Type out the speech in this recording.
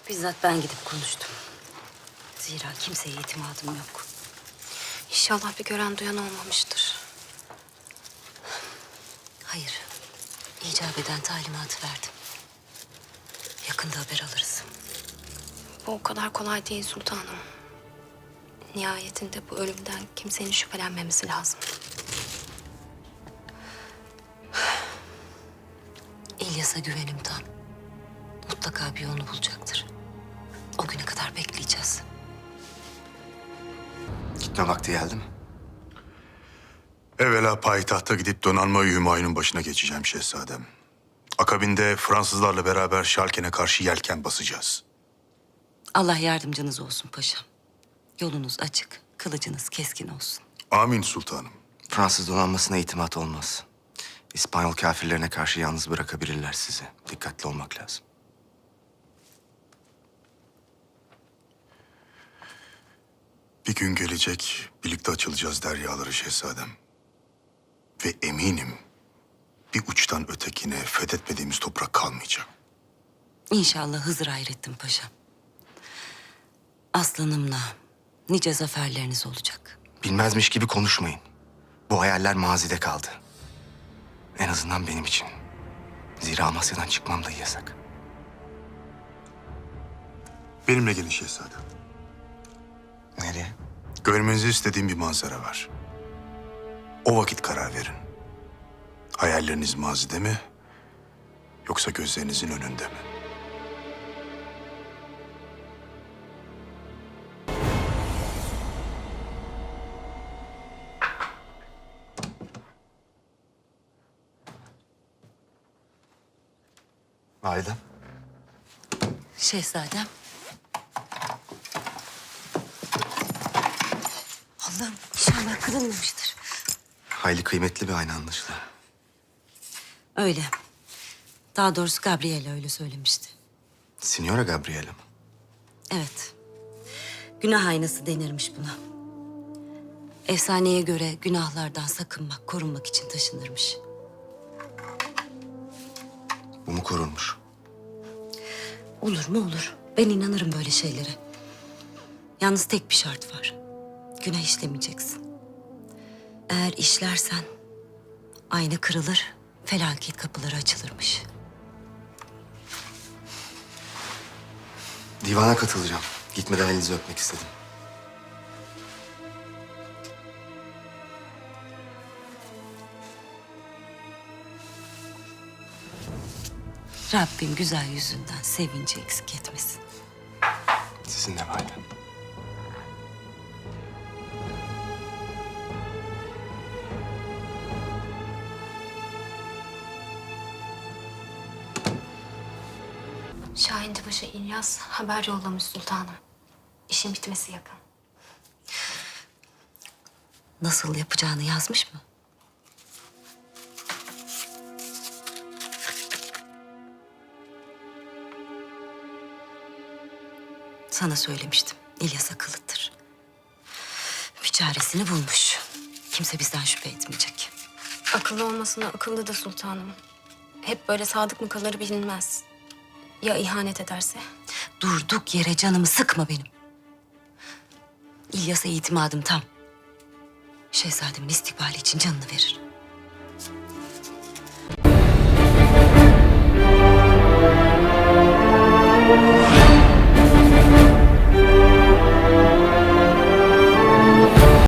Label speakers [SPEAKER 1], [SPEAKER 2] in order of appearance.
[SPEAKER 1] Bizzat ben gidip konuştum. Zira kimseye itimadım yok.
[SPEAKER 2] İnşallah bir gören duyan olmamıştır.
[SPEAKER 1] Hayır. İcap eden talimatı verdim. Yakında haber alırız.
[SPEAKER 2] Bu o kadar kolay değil sultanım. Nihayetinde bu ölümden kimsenin şüphelenmemesi lazım.
[SPEAKER 1] İlyas'a güvenim tam. Mutlaka bir yolunu bulacaktır. O güne kadar bekleyeceğiz.
[SPEAKER 3] Gitme vakti geldi mi?
[SPEAKER 4] Evvela payitahta gidip donanma-i Hümayun'un başına geçeceğim şehzadem. Akabinde Fransızlarla beraber Şalken'e karşı yelken basacağız.
[SPEAKER 1] Allah yardımcınız olsun paşam. Yolunuz açık, kılıcınız keskin olsun.
[SPEAKER 4] Amin sultanım.
[SPEAKER 3] Fransız donanmasına itimat olmaz. İspanyol kafirlerine karşı yalnız bırakabilirler sizi. Dikkatli olmak lazım.
[SPEAKER 4] Bir gün gelecek, birlikte açılacağız deryaları şehzadem. Ve eminim bir uçtan ötekine fethetmediğimiz toprak kalmayacak.
[SPEAKER 1] İnşallah Hızır Hayrettin paşam. Aslanımla nice zaferleriniz olacak.
[SPEAKER 3] Bilmezmiş gibi konuşmayın. Bu hayaller mazide kaldı. En azından benim için. Zira Amasya'dan çıkmam da yasak.
[SPEAKER 4] Benimle gelin şehzadem.
[SPEAKER 3] Nereye?
[SPEAKER 4] Görmenizi istediğim bir manzara var. O vakit karar verin. Hayalleriniz mazide mi, yoksa gözlerinizin önünde mi?
[SPEAKER 3] Validem.
[SPEAKER 1] Şehzadem. Allah'ım inşallah kırılmamıştır.
[SPEAKER 3] Hayli kıymetli bir ayna anlaşılan.
[SPEAKER 1] Öyle. Daha doğrusu Gabriela öyle söylemişti.
[SPEAKER 3] Signora Gabriela mı?
[SPEAKER 1] Evet. Günah aynası denirmiş buna. Efsaneye göre günahlardan sakınmak, korunmak için taşınırmış.
[SPEAKER 3] Bu mu korunmuş?
[SPEAKER 1] Olur mu olur. Ben inanırım böyle şeylere. Yalnız tek bir şart var. Günah işlemeyeceksin. Eğer işlersen ayna kırılır, felaket kapıları açılırmış.
[SPEAKER 3] Divana katılacağım. Gitmeden elinizi öpmek istedim.
[SPEAKER 1] Rabbim güzel yüzünden sevinci eksik etmesin.
[SPEAKER 3] Sizin de validem.
[SPEAKER 2] Şahin Paşa İlyas haber yollamış sultanım. İşin bitmesi yakın.
[SPEAKER 1] Nasıl yapacağını yazmış mı? Sana söylemiştim. İlyas akıllıdır. Bir çaresini bulmuş. Kimse bizden şüphe etmeyecek.
[SPEAKER 2] Akıllı olmasına akıllı da sultanım. Hep böyle sadık mı kalır bilinmez. Ya ihanet ederse?
[SPEAKER 1] Durduk yere canımı sıkma benim. İlyas'a itimadım tam. Şehzademin istikbali için canını verir.